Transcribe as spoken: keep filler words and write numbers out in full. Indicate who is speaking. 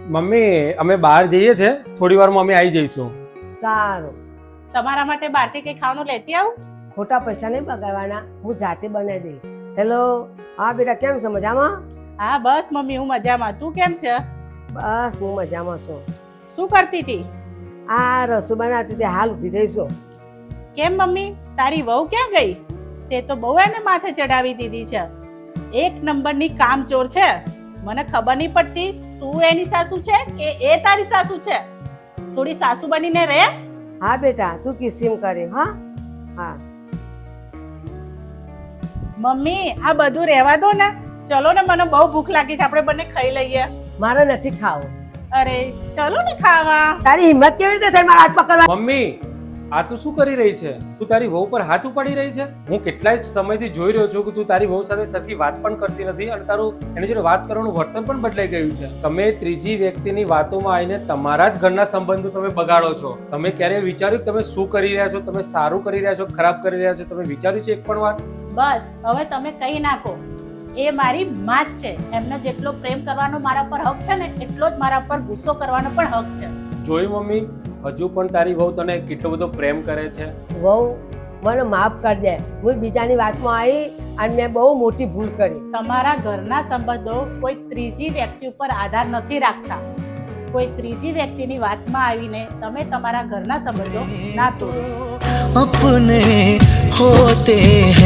Speaker 1: Mummy અમે બહાર જઈએ છે, થોડી વારમાં અમે આવી જઈશું.
Speaker 2: સારું.
Speaker 3: તમારા માટે બહારથી કઈ ખાવાનું લેતી આવું?
Speaker 2: ખોટા પૈસા નહીં બગાડવાના, હું જાતે બનાવી દઈશ. હેલો, હા બેટા, કેમ છો? મજામાં?
Speaker 3: હા બસ મમ્મી, હું મજામાં. તું કેમ છે?
Speaker 2: બસ હું મજામાં છું.
Speaker 3: શું કરતી હતી?
Speaker 2: આ રસોઈ બનાવતી હતી, હાલ ઊભી થઈ છું.
Speaker 3: કેમ મમ્મી, તારી વહુ ક્યાં ગઈ? તે તો બહુ એને માથે ચડાવી દીધી છે. એક નંબરની કામચોર છે. મને ખબર નહીં પડતી તું એની સાસુ છે કે એ તારી સાસુ છે. થોડી સાસુ બનીને રહે.
Speaker 2: હા બેટા, તું કિસ્સીમ કરી. હા હા
Speaker 3: મમ્મી આ બધું રહેવા દો ને, ચલો ને, મને બહુ ભૂખ લાગી છે, આપણે બંને ખાઈ લઈએ.
Speaker 2: મારે નથી ખાવું.
Speaker 3: અરે ચલો ને ખાવા.
Speaker 2: તારી હિંમત કેવી રીતે થઈ મારા હાથ પકડવા?
Speaker 1: મમ્મી આ તું શું કરી રહી છે? તું તારી વહુ પર હાથ ઉપાડી રહી છે? હું કેટલાય સમયથી જોઈ રહ્યો છું કે તું તારી વહુ સાથે સરખી વાત પણ કરતી નથી અને તારું એની જોડે વાત કરવાનું વર્તન પણ બદલાઈ ગયું છે. તમે ત્રીજી વ્યક્તિની વાતોમાં આવીને તમારા જ ઘરના સંબંધો તમે બગાડો છો. તમે ક્યારે વિચાર્યું કે તમે શું કરી રહ્યા છો? તમે સારું કરી રહ્યા છો, ખરાબ કરી રહ્યા છો? તમે વિચાર્યું છે એક પણ વાર?
Speaker 3: બસ હવે તમે કહી નાખો. એ મારી માં જ છે. એમને જેટલો પ્રેમ કરવાનો મારા પર હક છે ને, એટલો જ મારા પર ગુસ્સો કરવાનો પણ હક છે.
Speaker 1: જોયું મમ્મી, હજુ પણ તારી વહુ તને કેટલો બધો પ્રેમ કરે છે.
Speaker 2: વહુ મને માફ કરી દે. હું બીજાની વાતમાં આવી અને મેં બહુ મોટી ભૂલ કરી.
Speaker 3: તમારા ઘરના સંબંધો કોઈ ત્રીજી વ્યક્તિ ઉપર આધાર નથી રાખતા. કોઈ ત્રીજી વ્યક્તિની વાતમાં આવીને તમે તમારા ઘરના સંબંધો ના તોડો.
Speaker 4: अपने होते हैं।